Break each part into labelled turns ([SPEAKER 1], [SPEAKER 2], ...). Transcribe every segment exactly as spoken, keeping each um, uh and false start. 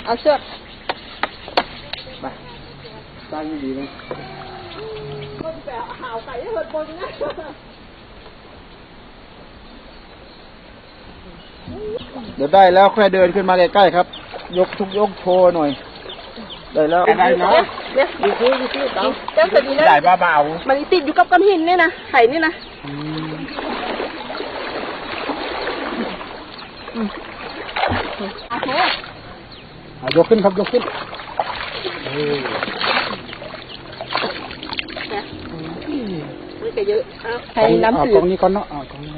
[SPEAKER 1] เอาเชือก
[SPEAKER 2] ไปตั้งดีเลย
[SPEAKER 1] มันแปะหาวไก่ให้เหิดบนนะ
[SPEAKER 2] เดี๋ยวได้แล้วค่อยเดินขึ้นมาใกล้ๆครับยกทุกยกโชว์หน่อยได้แล้วได้เนาะ
[SPEAKER 1] เดี๋ยวดูซิดูซิต่อเจ้าสดีนะ
[SPEAKER 2] ได้เบา
[SPEAKER 1] ๆมันติดอยู่กับก้อนหินนี่นะไข่นี่นะโอเค
[SPEAKER 2] ยกขึ้นครับยกขึ้น
[SPEAKER 1] ไม่จะเยอะใช้น้ำจืด
[SPEAKER 2] ตรงนี้ก่อนเนาะตรงนี้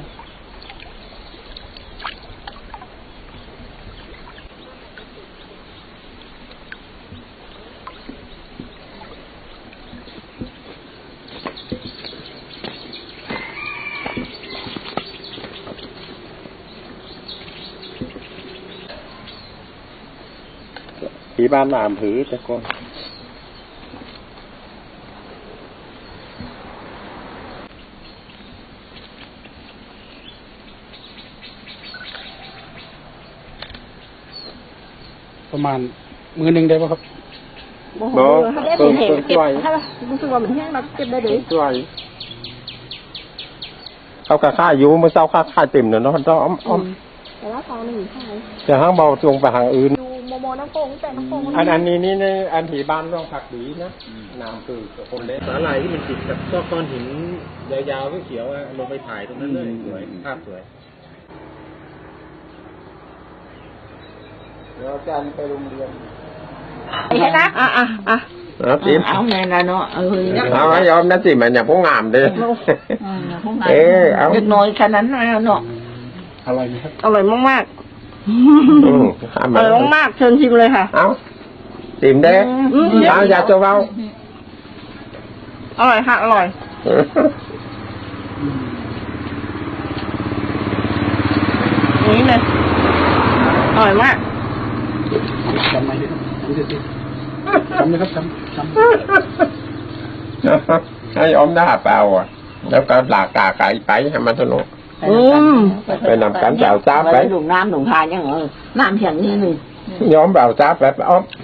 [SPEAKER 3] ที่บ้านน้ำผือแต่ก่อน
[SPEAKER 2] ประมาณมือหนึ่งได้ป่ะครับ
[SPEAKER 1] โอ้โหถ้าได้เป็นเห็นเก็บถ้ารู้สึกว่ามันแห้งเราเก็บได้เลย
[SPEAKER 3] ช่วยเขาค่าค่าอยู่เมื่อเช้าค่าค่าเต็มเนาะเนาะต้องอ้อมอ้อม
[SPEAKER 1] แต่ว่าตอนหนึ่งใช่
[SPEAKER 3] จะห้างเบาตรงไปทางอื่น
[SPEAKER 1] ดูโมโมน้ำโป่งแต่น้ำโป่ง
[SPEAKER 3] อันอันนี้นี่ในอันที่บ้านร่องผักดีนะน้ำคือคนเล็กสาหร่ายที่มันติดกับก้อนหินยาวๆเขียวๆลงไปถ่ายตรงนั้นเลยสวยภาพสวย
[SPEAKER 2] เดี๋ยวอาจารย์ไปโรงเรียน
[SPEAKER 1] เห็นนะอ่ะอ่ะอ่ะ
[SPEAKER 3] เอาสิ
[SPEAKER 1] เอาแม่นะเนาะเออ
[SPEAKER 3] เอายอมนั่นสิมันอย่าพุ่งงามเลย
[SPEAKER 1] เออเอาเล็กน้อยแค่นั้นนะเนาะ
[SPEAKER 2] อร่อยไหมครับ
[SPEAKER 1] อร่อยมากๆอร่อยมากๆเชิญชิมเลยค่ะ
[SPEAKER 3] เอาชิมได้เอาอย่าตัวเบา
[SPEAKER 1] อร่อยค่ะอร่อยนี่เลยอร่อยมาก
[SPEAKER 2] จำไหมครับจำไหมครับจำจำ
[SPEAKER 3] ให้อมหน้าเปล่าอ่ะแล้วก็หลากกาไก่ไปให้มันสนุกไปนำกันเปล่าจ้าไป
[SPEAKER 1] หนุ่มน้ำหนุ่มทานยังเออน้ำแข็งนี่หนึ่ง
[SPEAKER 3] ย้อมเปล่าจ้าไปอ้อม